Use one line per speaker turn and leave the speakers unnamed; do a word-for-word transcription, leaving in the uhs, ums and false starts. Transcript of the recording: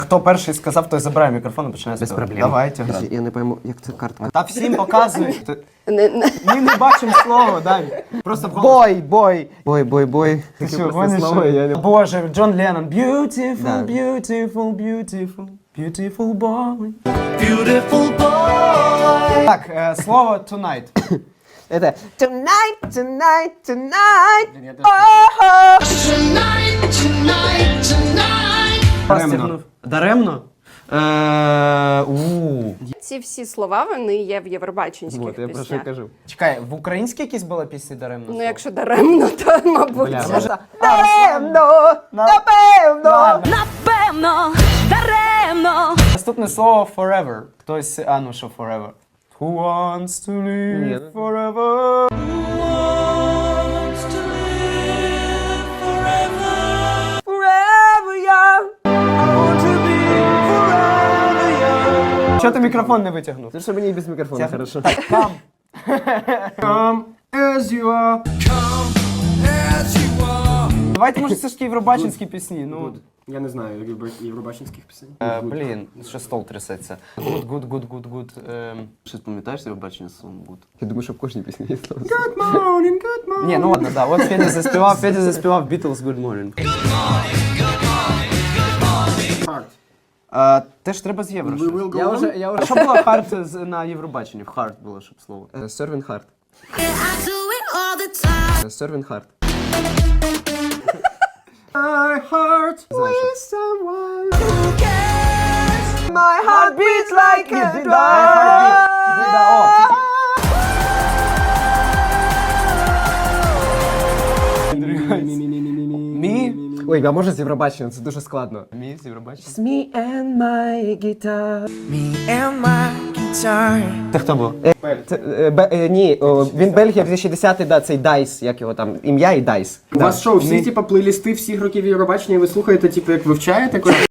Хто перший сказав, той забирає мікрофон і починає
Без
співати.
проблем.
Давайте.
Я не пойму, як це картка.
Та всім показують.
Не, не.
Ми не бачимо слова, Дань. Просто в голос.
Бой, бой! Бой, бой, бой.
Ти
Таке
що,
просте
гониш,
слово,
що?
я не...
Боже, Джон Леннон. Beautiful,
Да.
beautiful, beautiful, beautiful boy. Beautiful boy. Так, е, слово tonight.
Это tonight, tonight, tonight.
Даремно. Даремно? Е, у.
Ці всі слова, вони є в євробаченських
Вот, я про що й
піснях.
кажу.
Чекай, в українській якісь були пісні даремно?
Ну, якщо даремно, то, мабуть.
Бля, може...
Напевно, напевно.
Ладно.
Напевно, даремно.
Наступне слово forever. Хтось, а ну що forever? Who wants to live
Ні.
forever? Forever young. I want to be forever young. Чого ти мікрофон не витягнув?
Це що мені і без мікрофона, хорошо.
Так, come. Come as you are. Давайте, може, все ж таки євробачинські пісні. Ну,
Я не знаю євро- євробачинських пісень.
е, блін, що стол трясеться. Good, good, good, good, good. ем.
Щось пам'ятаєш Євробачення словом good? Я думаю, що в кожній пісні є слово.
Ні, ну ладно, да. От Федя заспівав, Федя заспівав Beatles Good Morning.
Hard.
А, теж треба з євро.
We
щось.
will go
Я
on.
вже, я
А
вже...
що було hard з- на Євробаченні? В hard було, щоб слово.
Е, Serving hard.
I do it all the time.
Е, Serving hard.
My heart
Знаєш, що?
someone.
My heart beats like a drum. Мі?
Ой, а може з Євробачення? Це дуже складно.
Мі з Євробачення.
Me and my guitar.
Це хто був?
Це, е, бе- е, ні, о, він Бельгія дві тисячі десятий, да, цей Дайс, як його там, ім'я і Дайс.
У вас що, всі типу плейлісти всіх років Євробачення, і ви слухаєте, типу, як вивчаєте?